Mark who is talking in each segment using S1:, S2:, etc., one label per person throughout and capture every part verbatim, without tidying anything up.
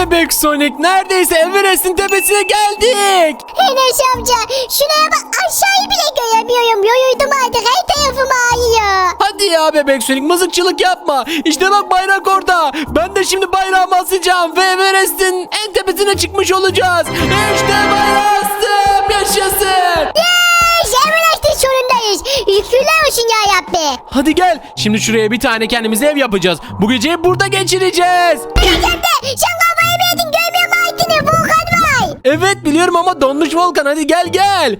S1: bebek Sonic, neredeyse Everest'in tepesine geldik.
S2: Enes amca şuraya bak, aşağıyı bile göremiyorum. Yoruldum artık, her tarafım ağrıyor.
S1: Hadi ya bebek Sonic, mızıkçılık yapma. İşte bak bayrak orada. Ben de şimdi bayrağımı asacağım ve Everest'in en tepesine çıkmış olacağız. İşte bayrağı astım, yaşasın.
S2: Yes, Everest'in sonundayız. Şükürler olsun ya Rabbi.
S1: Hadi gel, şimdi şuraya bir tane kendimize ev yapacağız. Bu geceyi burada geçireceğiz.
S2: Enes amca sen kafayı mı yedin, görmüyor musun altını? Volkan var.
S1: Evet biliyorum ama donmuş volkan, hadi gel gel.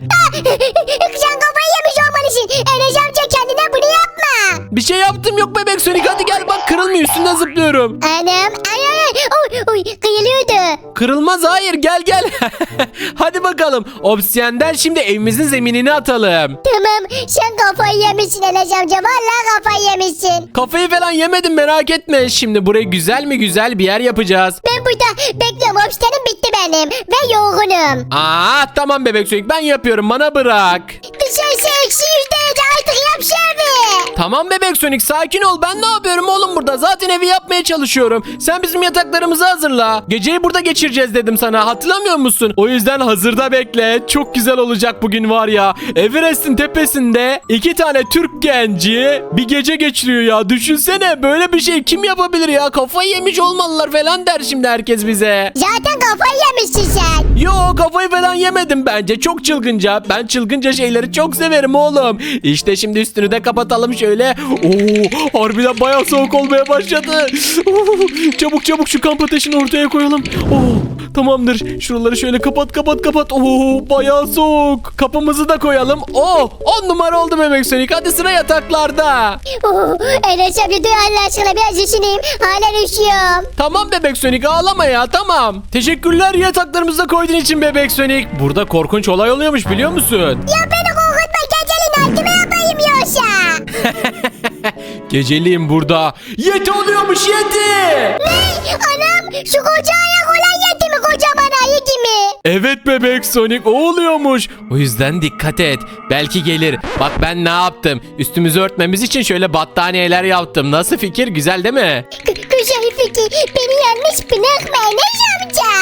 S2: Sen kafayı yemiş olmalısın. Enes amca kendine bunu yapma.
S1: Bir şey yaptım yok bebek Sonic, hadi gel bak, kırılmıyor, üstünden zıplıyorum.
S2: Anam ay ay ay. Oy, oy, kıyılıyordu.
S1: Kırılmaz, hayır, gel gel. Hadi bakalım, obsidiyenden şimdi evimizin zeminini atalım.
S2: Tamam, sen kafayı yemişsin Enes amca. Vallahi kafayı yemişsin.
S1: Kafayı falan yemedim, merak etme. Şimdi burayı güzel mi güzel bir yer yapacağız.
S2: Ben burada bekliyorum. Obsidianım bitti benim. Ve yorgunum.
S1: Aa tamam bebek Sonic, ben yapıyorum, bana bırak.
S2: Dışarısı eksi yüz derece, artık yap şevi.
S1: Tamam bebek Sonic, sakin ol, ben ne yapıyorum oğlum burada, zaten evi yapmaya çalışıyorum. Sen bizim yataklarımızı hazırla. Geceyi burada geçireceğiz dedim sana, hatırlamıyor musun? O yüzden hazırda bekle, çok güzel olacak bugün var ya. Everest'in tepesinde iki tane Türk genci bir gece geçiriyor ya, düşünsene, böyle bir şey kim yapabilir ya, kafayı yemiş olmalılar falan der şimdi herkes bize.
S2: Zaten kafayı yemişsin sen.
S1: Yo, kafayı falan yemedim, bence çok çılgınca. Ben çılgınca şeyleri çok severim oğlum. İşte şimdi üstünü de kapatalım şöyle. Oo, harbiden bayağı soğuk olmaya başladı. Oo, çabuk çabuk şu kamp ateşini ortaya koyalım. Oo, tamamdır, şuraları şöyle kapat kapat kapat. Oo, bayağı soğuk. Kapımızı da koyalım. Oo, on numara oldu bebek Sonic, hadi sıra yataklarda.
S2: Oo, Enes amca dur Allah aşkına, biraz üşüneyim. Hala üşüyorum.
S1: Tamam bebek Sonic, ağlama ya, tamam. Teşekkürler yataklarımızı koyduğun için bebek Sonic. Burada korkunç olay oluyormuş, biliyor musun?
S2: Ya beni korkutma, gecenin altıma yapayım yoksa.
S1: Geceliğin burada yeti oluyormuş, yeti.
S2: Ne? Anam, şu koca ayak olan yeti mi, kocaman ayı gibi?
S1: Evet bebek Sonic, o oluyormuş. O yüzden dikkat et, belki gelir. Bak ben ne yaptım, üstümüzü örtmemiz için şöyle battaniyeler yaptım. Nasıl fikir, güzel değil mi?
S2: K- Güzel fikir. Beni yanlış bırakma Enes amca.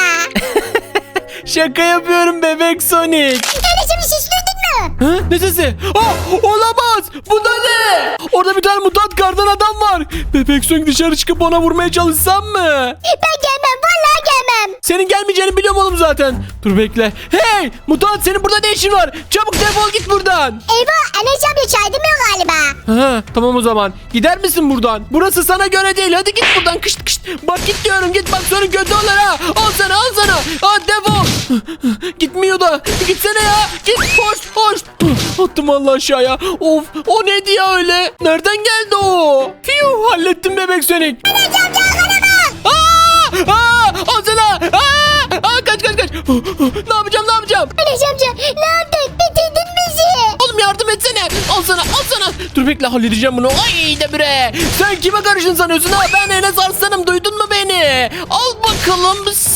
S1: Şaka yapıyorum bebek Sonic.
S2: Enes amca siz duydun mu?
S1: Ha? Ne sesi? Ah, olamaz. Bu da ne? Orada bir tane mutant kardan adam var. Bebek Sonic, dışarı çıkıp ona vurmaya çalışsam mı?
S2: Ben gelmem, vallahi gelmem.
S1: Senin gelmeyeceğini biliyorum oğlum zaten. Dur bekle. Hey mutant, senin burada ne işin var? Çabuk defol git buradan.
S2: Eyvah, Enes amca çaydırmıyor galiba.
S1: Ha, tamam o zaman. Gider misin buradan? Burası sana göre değil. Hadi git buradan. Kışt kışt. Bak git diyorum. Git, bak sonra kötü olur ha. Al sana, al sana. Aa, defol. Gitmiyor da. Gitsene ya. Git, hoş hoş. Attım Allah aşağıya. Of, o neydi ya öyle? Nereden geldi o? Fiu, hallettim bebek Sonic.
S2: Enes amca arkana bak.
S1: Aa! Aa! Al sana. Aa! Aa, kaç kaç kaç. Ne yapacağım, ne yapacağım?
S2: Enes amca ne yaptın? Bitirdin bizi.
S1: Oğlum yardım etsene. Al sana, al sana. Dur bekle, halledeceğim bunu. Ay de bre. Sen kime karışın sanıyorsun ha? Ben Enes Arslan'ım, duydun mu beni? Al bakalım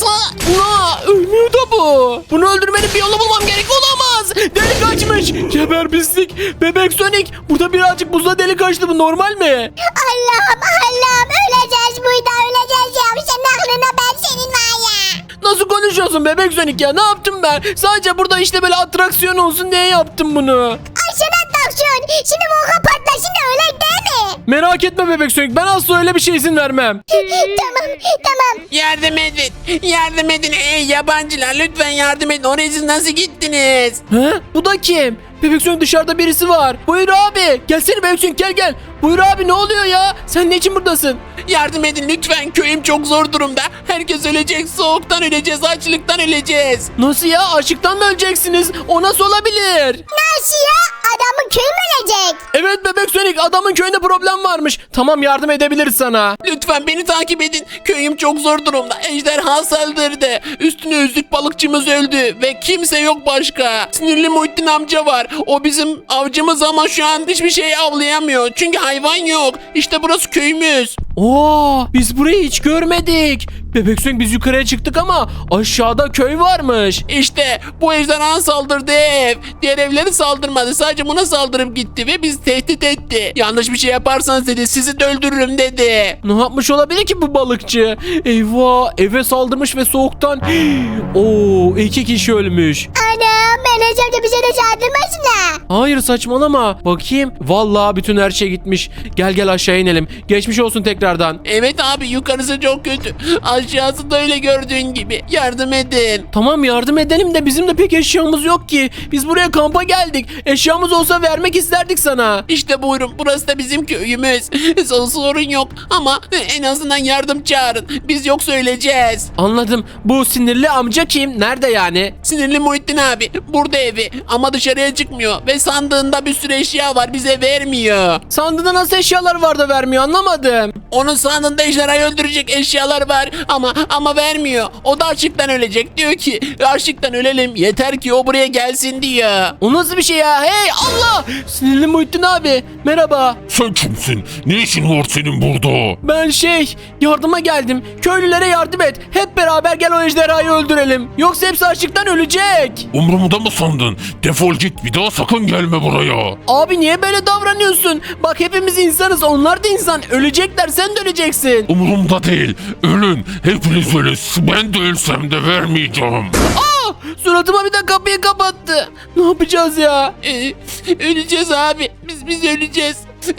S1: sana. Ölmüyor da bu. Bunu öldürmenin bir yolu bulmam gerek, olamaz. Delik açmış. Geber pislik. Bebek Sonic. Burada birazcık buzla delik açtı, bu normal mi?
S2: Allah'ım Allah'ım, öleceğiz burada, öleceğiz ya. Senin aklına ben senin var ya.
S1: Nasıl konuşuyorsun bebek Sonic ya? Ne yaptım ben? Sadece burada işte böyle atraksiyon olsun diye yaptım bunu.
S2: Ay sen atraksiyon. Şimdi volkan patlasın da öyle değil mi?
S1: Merak etme bebek Sonic, ben asla öyle bir şey izin vermem.
S2: Tamam tamam.
S3: Yardım edin. Yardım edin. Ey yabancılar, lütfen yardım edin. Oraya siz nasıl gittiniz?
S1: He? Bu da kim? Bebek Sonic, dışarıda birisi var. Buyur abi. Gelsene Bebek Sonic, gel gel. Buyur abi, ne oluyor ya? Sen ne için buradasın?
S3: Yardım edin lütfen. Köyüm çok zor durumda. Herkes ölecek. Soğuktan öleceğiz. Açlıktan öleceğiz.
S1: Nasıl ya? Açlıktan mı öleceksiniz? O nasıl olabilir?
S2: Nasıl ya? Adamın köyü mü ölecek?
S1: Evet Bebek Sonic, adamın köyünde problem varmış. Tamam, yardım edebiliriz sana.
S3: Lütfen beni takip edin. Köyüm çok zor durumda. Ejderha saldırdı. Üstüne yüzlük balıkçımız öldü. Ve kimse yok başka. Sinirli Muhittin amca var. O bizim avcımız ama şu an hiçbir şey avlayamıyor. Çünkü hayvan yok. İşte burası köyümüz.
S1: Oo, biz burayı hiç görmedik. Bebek Sonic, biz yukarıya çıktık ama aşağıda köy varmış.
S3: İşte bu ejderha saldırdı ev. Diğer evleri saldırmadı. Sadece buna saldırıp gitti ve biz tehdit etti. etti. Yanlış bir şey yaparsanız dedi sizi de öldürürüm dedi.
S1: Ne yapmış olabilir ki bu balıkçı? Eyvah, eve saldırmış ve soğuktan Oo, iki kişi ölmüş.
S2: Anam Enes amca bize de saldırmasınlar.
S1: Hayır, saçmalama. Bakayım. Vallahi bütün her şey gitmiş. Gel gel aşağı inelim. Geçmiş olsun tekrardan.
S3: Evet abi yukarısı çok kötü. Aşağısı da öyle gördüğün gibi. Yardım edin.
S1: Tamam, yardım edelim de bizim de pek eşyamız yok ki. Biz buraya kampa geldik. Eşyamız olsa vermek isterdik sana.
S3: İşte buyurun burası da bizim köyümüz. Sorun yok ama en azından yardım çağırın. Biz yoksa öleceğiz.
S1: Anladım. Bu sinirli amca kim? Nerede yani?
S3: Sinirli Muhittin abi burada evi ama dışarıya çıkmıyor ve sandığında bir sürü eşya var bize vermiyor.
S1: Sandığında nasıl eşyalar var da vermiyor, anlamadım.
S3: Onun sandığında ejderhayı öldürecek eşyalar var ama ama vermiyor. O da açlıktan ölecek. Diyor ki açlıktan ölelim yeter ki o buraya gelsin diyor.
S1: O nasıl bir şey ya? Hey Allah! Sinirli Muhittin abi. Merhaba.
S4: Sen kimsin? Ne işin var senin burada?
S1: Ben şey yardıma geldim. Köylülere yardım et. Hep beraber gel o ejderhayı öldürelim. Yoksa hepsi açlıktan ölecek.
S4: Umurumda mı sandın? Defol git, bir daha sakın gelme buraya.
S1: Abi niye böyle davranıyorsun? Bak hepimiz insanız, onlar da insan. Ölecekler, sen de öleceksin.
S4: Umurumda değil. Ölün. Hepiniz ölün. Ben de ölsem de vermeyeceğim.
S1: Aa, suratıma bir de kapıyı kapattı. Ne yapacağız ya?
S3: Ee, öleceğiz abi. Biz biz öleceğiz.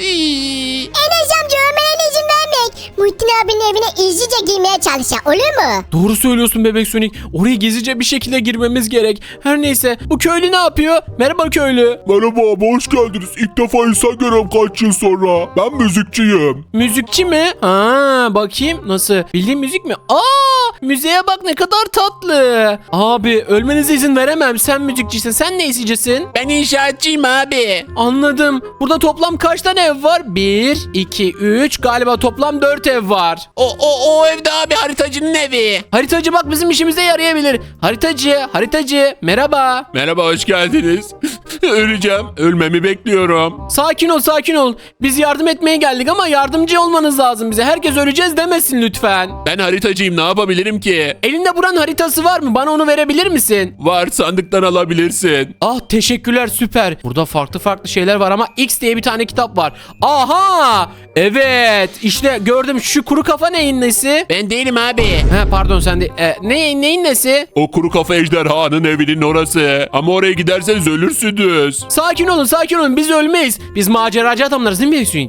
S3: İyi.
S2: Enes amca ölmene izin vermek. Muhittin abinin evine izcice girmeye çalışacak olur mu?
S1: Doğru söylüyorsun bebek Sonic. Oraya gizlice bir şekilde girmemiz gerek. Her neyse, bu köylü ne yapıyor? Merhaba köylü.
S4: Merhaba abi, hoş geldiniz. İlk defa insan görüyorum kaç yıl sonra. Ben müzikçiyim.
S1: Müzikçi mi? Ha, bakayım nasıl? Bildiğin müzik mi? Aa, müziğe bak ne kadar tatlı. Abi ölmenize izin veremem. Sen müzikçisin. Sen ne isteyeceksin?
S3: Ben inşaatçıyım abi.
S1: Anladım. Burada toplam kaç tane ev var? Bir, iki, üç. Galiba toplam dört ev var.
S3: O o o evde abi haritacının evi.
S1: Haritacı bak bizim işimize yarayabilir. Haritacı, haritacı. Merhaba.
S3: Merhaba hoş geldiniz. Öleceğim. Ölmemi bekliyorum.
S1: Sakin ol, sakin ol. Biz yardım etmeye geldik ama yardımcı olmanız lazım bize. Herkes öleceğiz demesin lütfen.
S3: Ben haritacıyım ne yapabilirim ki?
S1: Elinde buranın haritası var mı? Bana onu verebilir misin?
S3: Var sandıktan alabilirsin.
S1: Ah, teşekkürler, süper. Burada farklı farklı şeyler var ama X diye bir tane kitap var. Aha! Evet, işte gördüm. Şu kuru kafa neyin nesi?
S3: Ben değilim abi.
S1: He pardon, sen de e, ne, neyin nesi?
S3: O kuru kafa ejderhanın evinin orası. Ama oraya giderseniz ölürsünüz.
S1: Sakin olun, sakin olun, biz ölmeyiz. Biz maceracı adamlarız değil mi Swing?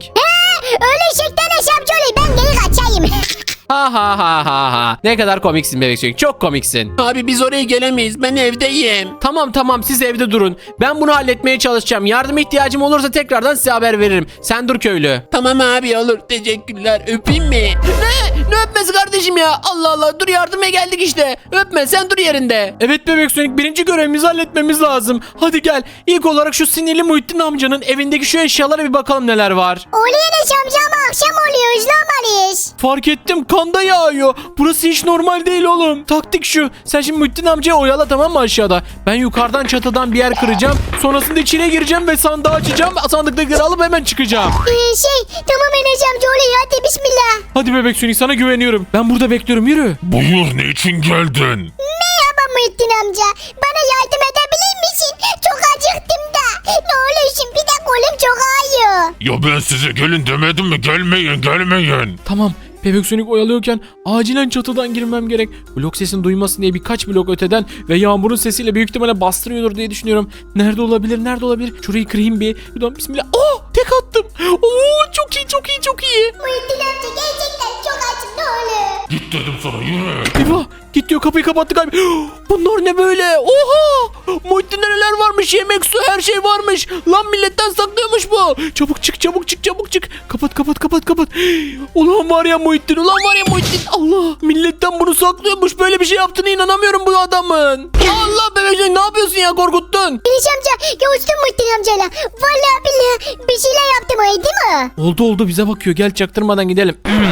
S2: Öyle şekten Enes amca olayım ben geri kaçayım.
S1: Ha ha ha ha ha. Ne kadar komiksin bebek Swing, çok komiksin.
S3: Abi biz oraya gelemeyiz. Ben evdeyim.
S1: Tamam tamam, siz evde durun. Ben bunu halletmeye çalışacağım. Yardım ihtiyacım olursa tekrardan size haber veririm. Sen dur köylü.
S3: Tamam abi olur. Teşekkürler. Öpeyim mi?
S1: Ne? Ne öpmesi kardeşim ya? Allah Allah, dur yardıma geldik işte. Öpme, sen dur yerinde. Evet bebek Sonic, birinci görevimizi halletmemiz lazım. Hadi gel. İlk olarak şu sinirli Muhittin amcanın evindeki şu eşyalara bir bakalım neler var.
S2: Oluyor Enes amca ama akşam oluyor üzülmeliyiz.
S1: Fark ettim, kanda yağıyor. Burası hiç normal değil oğlum. Taktik şu. Sen şimdi Muhittin amcayı oyala, tamam mı, aşağıda? Ben yukarıdan çatıdan bir yer kıracağım. Sonrasında içine gireceğim ve sandığı açacağım. Sandıktakileri alıp hemen çıkacağım.
S2: Ee, şey tamam Enes amca oluyor hadi bismillah.
S1: Hadi bebek Sonic, sana güveniyorum. Ben burada bekliyorum, yürü.
S4: Buyur, ne için geldin?
S2: Merhaba Muhittin amca. Bana yardım edebilir misin? Çok acıktım da. Ne olursun bir de kolum çok ağrıyor.
S4: Ya ben size gelin demedim mi? Gelmeyin, gelmeyin.
S1: Tamam. Bebek Sonic oyalıyorken acilen çatıdan girmem gerek. Blok sesini duymasın diye birkaç blok öteden ve yağmurun sesiyle büyük ihtimalle bastırıyordur diye düşünüyorum. Nerede olabilir? Nerede olabilir? Şurayı kırayım bir. Buradan bismillah. Oh! Tek attım. Oo, çok iyi, çok iyi, çok iyi.
S2: Muhittin amca gerçekten çok açım ne olur.
S4: Git dedim sana, yürü.
S1: Eyvah! Git diyor, kapıyı kapattı galiba. Bunlar ne böyle? Oha! Muhittin'de neler varmış? Yemek, su, her şey varmış. Lan milletten saklıyormuş bu. Çabuk çık, çabuk çık, çabuk çık. Kapat, kapat, kapat, kapat. Ulan var ya Muhittin, ulan var ya Muhittin. Allah! Milletten bunu saklıyormuş. Böyle bir şey yaptığına inanamıyorum bu adamın. Allah bebeciğim, ne yapıyorsun ya, korkuttun.
S2: Enes amca görüştün Muhittin amcayla. Vallahi billahi bir şeyler yaptım öyle değil mi?
S1: Oldu oldu, bize bakıyor. Gel çaktırmadan gidelim.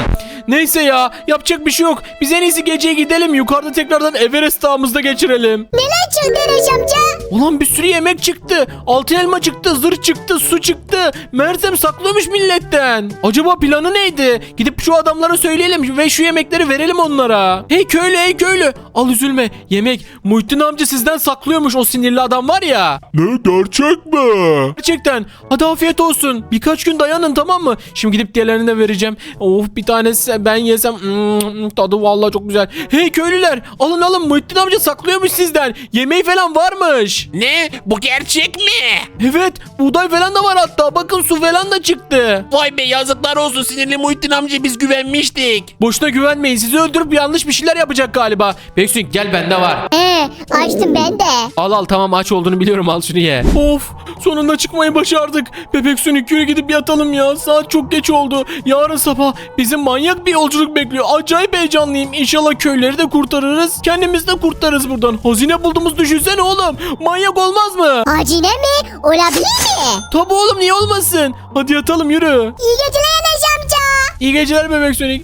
S1: Neyse ya, yapacak bir şey yok. Biz en iyisi geceye gidelim. Yukarıda tekrardan Everest dağımızda geçirelim.
S2: Neler çıktı Enes amca?
S1: Ulan bir sürü yemek çıktı. Altın elma çıktı, zırh çıktı, su çıktı. Mersem saklıyormuş milletten. Acaba planı neydi? Gidip şu adamlara söyleyelim ve şu yemekleri verelim onlara. Hey köylü, hey köylü. Al üzülme. Yemek. Muhittin amca sizden saklıyormuş, o sinirli adam var ya.
S4: Ne, gerçek mi?
S1: Gerçekten. Hadi afiyet olsun. Birkaç gün dayanın, tamam mı? Şimdi gidip diğerlerine de vereceğim. Of, bir tanesi ben yesem. Hmm, tadı vallahi çok güzel. Hey köylüler, alın alın, Muhittin amca saklıyormuş sizden. Yemeği falan varmış.
S3: Ne? Bu gerçek mi?
S1: Evet, buğday falan da var hatta. Bakın su falan da çıktı.
S3: Vay be, yazıklar olsun sinirli Muhittin amca, biz güvenmiştik.
S1: Boşuna güvenmeyin. Sizi öldürüp yanlış bir şeyler yapacak galiba. Beksin gel, bende var.
S2: He, açtım ben de.
S1: Al al, tamam, aç olduğunu biliyorum, al şunu ye. Of, sonunda çıkmayı başardık. Bebek Sonic, yürü gidip yatalım ya. Saat çok geç oldu. Yarın sabah bizim manyak bir yolculuk bekliyor. Acayip heyecanlıyım. İnşallah köyleri de kurtarırız. Kendimiz de kurtarırız buradan. Hazine bulduğumuz düşünsene oğlum. Manyak olmaz mı?
S2: Acine mi? Olabilir mi?
S1: Tabii oğlum, niye olmasın? Hadi yatalım, yürü.
S2: İyi geceler Enes amca.
S1: İyi geceler Bebek Sonic.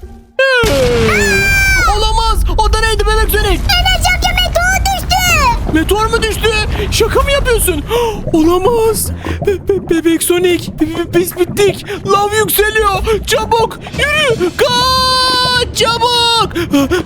S1: Olamaz. O da neydi Bebek Sonic?
S2: Enes amca meteor düştü.
S1: Meteor mu düştü? Şaka mı yapıyorsun? Olamaz. Be- be- Bebek Sonic. Be- be- Biz bittik. Lav yükseliyor. Çabuk. Yürü. Kaç. Çabuk.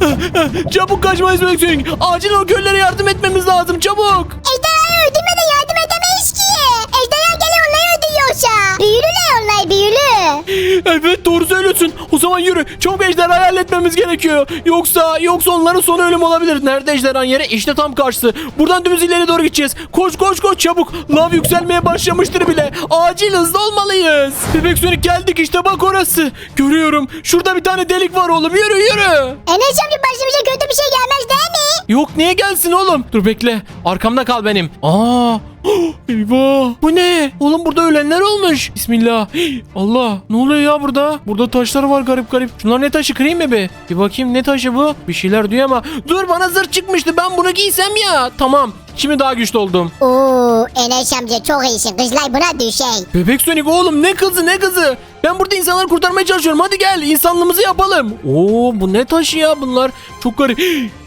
S1: Çabuk kaçmayız Bebek Sonic. Acil o köylere yardım etmemiz lazım. Çabuk.
S2: Ejderhayı öldürmeden yardım edemeyiz ki. Ejderha geliyor onları öldürüyorsa. Büyülüler onlar, büyülü.
S1: Evet, doğru söylüyorsun. O zaman yürü. Çabuk ejderhayı halletmemiz gerekiyor. Yoksa yoksa onların sonu ölüm olabilir. Nerede ejderhanın yeri? İşte tam karşısı. Buradan dümdüz ileri doğru gideceğiz. Koş koş koş çabuk. Lav yükselmeye başlamıştır bile. Acil hızlı olmalıyız. Bebek Sonic, geldik işte, bak orası. Görüyorum. Şurada bir tane delik var oğlum. Yürü yürü.
S2: Enes amca başımıza kötü bir şey gelmez değil mi?
S1: Yok, niye gelsin oğlum? Dur bekle. Arkamda kal benim. Aa! Eyvah! Bu ne? Oğlum burada ölenler olmuş. Bismillah. Allah! Ne oluyor ya burada? Burada taşlar var garip garip. Şunlar ne taşı, kırayım mı bir? Bir bakayım, ne taşı bu? Bir şeyler diyor ama. Dur, bana zırh çıkmıştı. Ben bunu giysem ya. Tamam. Şimdi daha güçlü oldum.
S2: Oo, Enes amca çok iyisin. Kızlar buna düşey.
S1: Bebek Sonic oğlum, ne kızı ne kızı? Ben burada insanları kurtarmaya çalışıyorum. Hadi gel, insanlığımızı yapalım. Oo, bu ne taşı ya bunlar? Çok garip.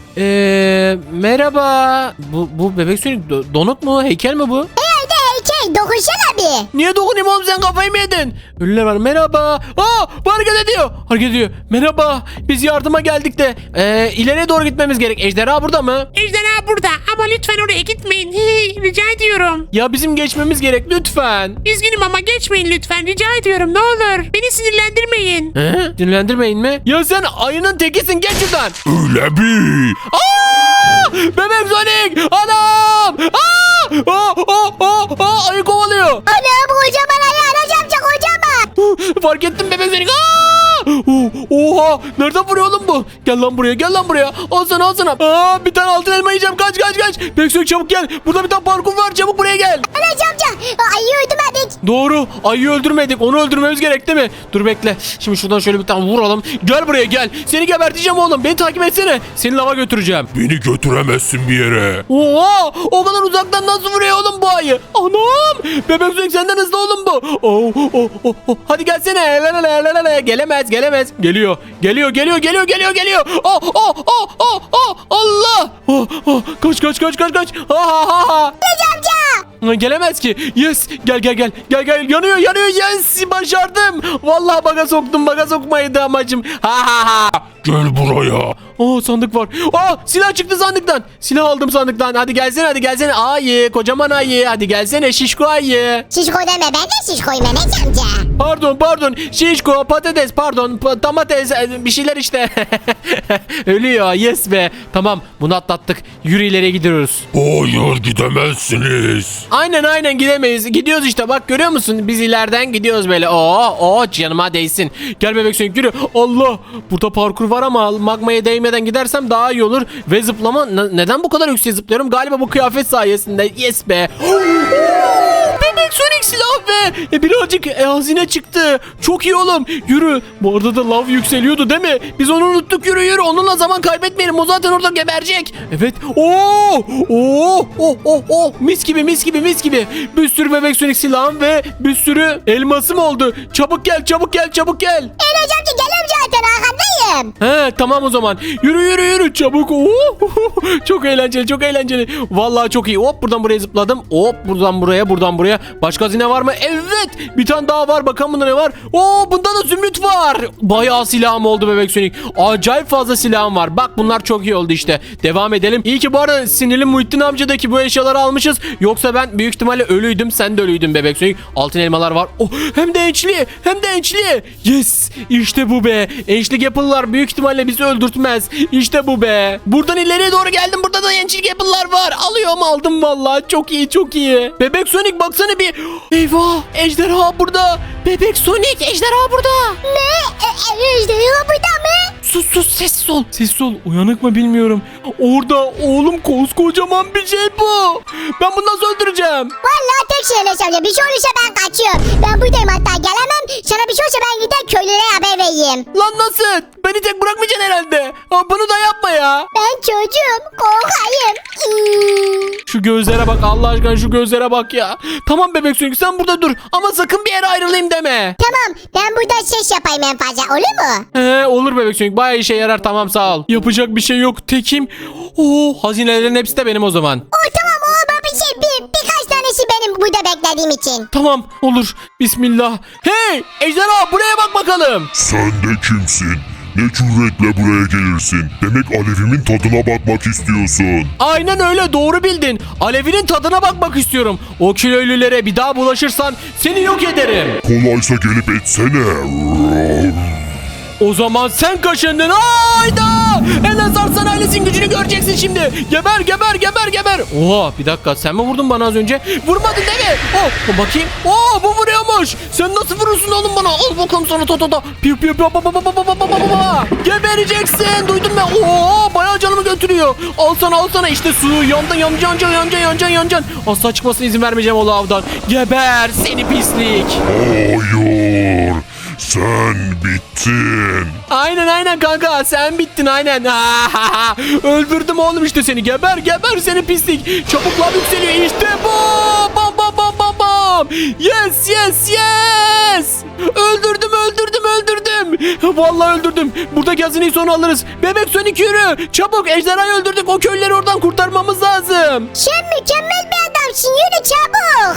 S1: Eee merhaba. Bu, bu Bebek Sonic do- donuk mu? Heykel mi bu?
S2: Herhalde heykel. Dokunsana bir.
S1: Niye dokunayım oğlum, sen kafayı mı yedin? Ölüler var, merhaba. Aa, bu hareket ediyor. Hareket ediyor. Merhaba. Biz yardıma geldik de ee, ileriye doğru gitmemiz gerek. Ejderha burada mı?
S3: Ejderha burada ama lütfen oraya gitmeyin. Rica ediyorum.
S1: Ya bizim geçmemiz gerek lütfen.
S3: Üzgünüm ama geçmeyin lütfen, rica ediyorum, ne olur. Beni sinirlendirmeyin.
S1: He? Dinlendirmeyin mi? Ya sen ayının tekisin, geç şuradan.
S4: Öyle bir.
S1: Aa! Bebek Sonic! Anam! Aa! Aa! Aa! Aa! Aa! Ayı kovalıyor.
S2: Ana bu kocaman ayı Enes amca kocaman.
S1: Fark ettim Bebek Sonic. Aa! Oha! Nereden vuruyor oğlum bu? Gel lan buraya, gel lan buraya. Al sana, al sana. Aa, bir tane altın elma yiyeceğim. Kaç kaç kaç. Bebek Sonic çabuk gel. Burada bir tane parkur var. Çabuk buraya gel.
S2: Enes amca ayıyı öldürmedik.
S1: Doğru. Ayıyı öldürmedik. Onu öldürmemiz gerek değil mi? Dur bekle. Şimdi şuradan şöyle bir tane vuralım. Gel buraya gel. Seni geberteceğim oğlum. Beni takip etsene. Seni lava götüreceğim.
S4: Beni götüremezsin bir yere.
S1: Oha! O kadar uzaktan nasıl vuruyor oğlum bu ayı? Anam! Bebek Sonic senden hızlı oğlum bu. Oh, oh, oh, oh. Hadi gelsene. La, la, la, la, la. Gelemez, gelemez. Geliyor. Geliyor, geliyor, geliyor, geliyor, geliyor. Oh, oh, oh, oh, oh. Allah! Oh, oh. Kaç, kaç, kaç, kaç, kaç. Ha, ha, ha, ha.
S2: Enes amca.
S1: Gelemez ki. Yes. Gel, gel, gel. Gel, gel. Yanıyor, yanıyor. Yes. Başardım. Vallahi baga soktum. Baga sokmaydı amacım. Ha, ha, ha.
S4: Gel buraya.
S1: Aa, sandık var. Aa, silah çıktı sandıktan. Silah aldım sandıktan. Hadi gelsene, hadi gelsene. Ayı, kocaman ayı. Hadi gelsene şişko ayı.
S2: Şişko deme, ben de şişkoyum Enes amca.
S1: Pardon, pardon. Şişko, patates, pardon. Pa- domates, e, bir şeyler işte. Ölüyor. Yes be. Tamam, bunu atlattık. Yürü, ileriye gidiyoruz.
S4: Hayır, gidemezsiniz.
S1: Aynen aynen gidemeyiz. Gidiyoruz işte, bak görüyor musun? Biz ileriden gidiyoruz böyle. Oo, oo, canıma değsin. Gel Bebek Sonic, yürü. Allah. Burada parkur var ama magmaya değmeden gidersem daha iyi olur. Ve zıplama. Ne- neden bu kadar yüksek zıplıyorum? Galiba bu kıyafet sayesinde. Yes be. Bebek Sonic silah ve e, birazcık e, hazine çıktı. Çok iyi oğlum. Yürü. Bu arada da lav yükseliyordu değil mi? Biz onu unuttuk. Yürü yürü. Onunla zaman kaybetmeyelim. O zaten orada geberecek. Evet. Oo! Oo! Oh oh oh! Mis gibi mis gibi mis gibi. Bir sürü Bebek Sonic silahım ve bir sürü elmasım oldu. Çabuk gel, çabuk gel, çabuk gel.
S2: Enes amca geliyorum zaten arkandayım.
S1: He tamam o zaman. Yürü yürü yürü çabuk. Oo, çok eğlenceli çok eğlenceli. Vallahi çok iyi. Hop buradan buraya zıpladım. Hop buradan buraya buradan buraya. Başka hazine var mı? Evet. Bir tane daha var. Bakalım bunda ne var? Oo bunda da zümrüt var. Bayağı silahım oldu bebek Sonic. Acayip fazla silahım var. Bak bunlar çok iyi oldu işte. Devam edelim. İyi ki bu arada sinirli Muhittin amcadaki bu eşyaları almışız. Yoksa ben büyük ihtimalle ölüydüm. Sen de ölüydün bebek Sonic. Altın elmalar var. Oh, hem de ençli. Hem de ençli. Yes. İşte bu be. Ençli Apple'lar büyük ihtimalle bizi öldürtmez. İşte bu be. Buradan ileriye doğru geldim. Burada da ençli Apple'lar var. Alıyorum aldım vallahi. Çok iyi çok iyi. Bebek Sonic baksana bir. Eyvah. Ejderha burada. Bebek Sonic ejderha burada.
S2: Ne? E, e, ejderha burada mı?
S1: Sus sus sessiz ol. Sessiz ol. Uyanık mı bilmiyorum. Orada oğlum koskocaman bir şey bu. Ben bunu nasıl öldüreceğim?
S2: Vallahi tek şey Enes amca. Bir şey olursa ben kaçıyorum. Ben buradayım hatta gelemem. Sana bir şey olursa ben gider köylere haber vereyim.
S1: Lan nasıl? Beni tek bırakmayacaksın herhalde. Ha, bunu da yapma ya.
S2: Ben çocuğum. Korkayım. Hmm.
S1: Şu gözlere bak Allah aşkına şu gözlere bak ya. Tamam bebek Sonic sen burada dur. Ama sakın bir yere ayrılayım deme.
S2: Tamam. Ben burada ses yapayım en fazla. Olur mu?
S1: He olur bebek Sonic bayağı işe yarar tamam sağ ol. Yapacak bir şey yok tekim. Oo hazinelerin hepsi de benim o zaman.
S2: O tamam o bir şey. Bir, birkaç tanesi benim burada beklediğim için.
S1: Tamam olur. Bismillah. Hey ejderha buraya bak bakalım.
S4: Sen de kimsin? Ne cüretle buraya gelirsin? Demek Alevimin tadına bakmak istiyorsun.
S1: Aynen öyle doğru bildin. Alevinin tadına bakmak istiyorum. O kilolülere bir daha bulaşırsan seni yok ederim.
S4: Kolaysa gelip etsene.
S1: O zaman sen kaşındın. Hayda! Enes Arslan ailesinin gücünü göreceksin şimdi. Geber geber geber geber. Oha bir dakika sen mi vurdun bana az önce? Vurmadın değil mi? Oh bakayım. Oh bu vuruyormuş. Sen nasıl vurursun oğlum bana? Al bakalım sana to to to. Piu piu piu pa pa pa pa pa pa pa pa. Gebereceksin. Duydun mu? Oo bayağı canımı götürüyor. Al sana al sana işte su. Yandın yanacaksın yanacaksın yanacaksın yanacaksın. Asla çıkmasına izin vermeyeceğim o lavdan. Geber seni pislik.
S4: Hayır. Sen bittin.
S1: Aynen aynen kanka sen bittin aynen. Öldürdüm oğlum işte seni. Geber geber seni pislik. Çabuklar yükseliyor işte bu. Bam bam bam bam bam. Yes yes yes. Öldürdüm öldürdüm öldürdüm. Vallahi öldürdüm. Buradaki hazineyi sonra alırız. Bebek Sonic yürü. Çabuk ejderhayı öldürdük. O köyleri oradan kurtarmamız lazım.
S2: Sen mükemmel bir adamsın. Yürü çabuk.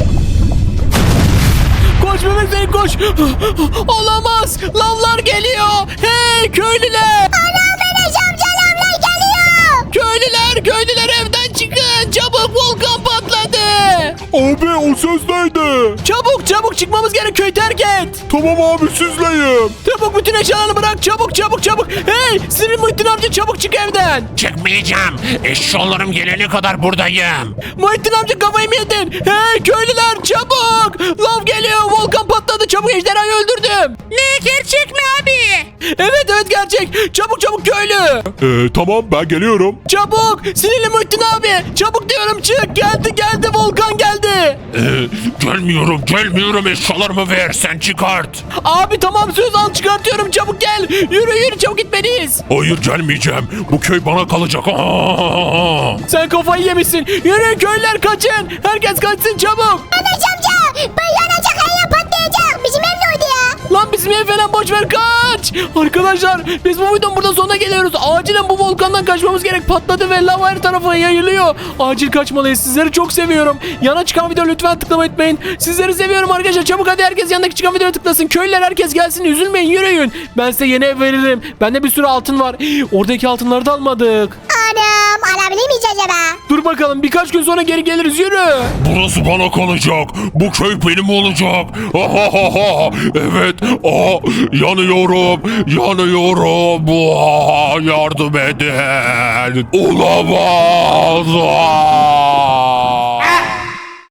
S1: Koş bebek Sonic koş. Olamaz. Lavlar geliyor. Hey köylüler.
S2: Anam Enes amca lavlar geliyor.
S1: Köylüler köylüler evden çıkın. Çabuk volkan patladı.
S4: Abi o ses neydi?
S1: Çabuk çabuk çıkmamız gerek köy terk et.
S4: Tamam abi sizleyim.
S1: Çabuk bütün eşyalarını bırak çabuk çabuk çabuk. Hey sinir Muhittin amca çabuk çık evden.
S3: Çıkmayacağım. Eşyalarım gelene kadar buradayım.
S1: Muhittin amca kafayı mı yedin? Hey köylüler çabuk. Lav geliyor volkan patladı çabuk ejderhayı öldürdüm.
S3: Ne gerçek mi abi?
S1: Evet evet gerçek. Çabuk çabuk köylü.
S4: Ee, tamam ben geliyorum.
S1: Çabuk sinirli Muhittin abi. Çabuk diyorum çık geldi geldi volkan geldi.
S3: Ee, gelmiyorum gelmiyorum eşyalarımı ver sen çıkart.
S1: Abi tamam söz al çıkartıyorum çabuk gel. Yürü yürü çabuk gitmeliyiz.
S3: Hayır gelmeyeceğim. Bu köy bana kalacak. Aa!
S1: Sen kafayı yemişsin. Yürü köylüler kaçın. Herkes kaçsın çabuk.
S2: Enes amca. Ben yanacak her yer patlayacak. Bizim ev ne oldu ya?
S1: Lan bizim ev falan boş ver kaç. Arkadaşlar biz bu videonun burada sonuna geliyoruz. Acilen bu volkandan kaçmamız gerek. Patladı ve lava her tarafa yayılıyor. Acil kaçmalıyız. Sizleri çok seviyorum. Yana çıkan video lütfen tıklamayı unutmayın. Sizleri seviyorum arkadaşlar. Çabuk hadi herkes yanındaki çıkan videoya tıklasın. Köylüler herkes gelsin. Üzülmeyin yürüyün. Ben size yeni ev veririm. Bende bir sürü altın var. Oradaki altınları da almadık.
S2: Anam alabilir miyiz acaba?
S1: Dur bakalım birkaç gün sonra geri geliriz yürü.
S3: Burası bana kalacak. Bu köy benim olacak. Ahahaha. Evet. Aa, yanıyorum. Yanıyorum. Aa, yardım edin. Olamaz. Aa.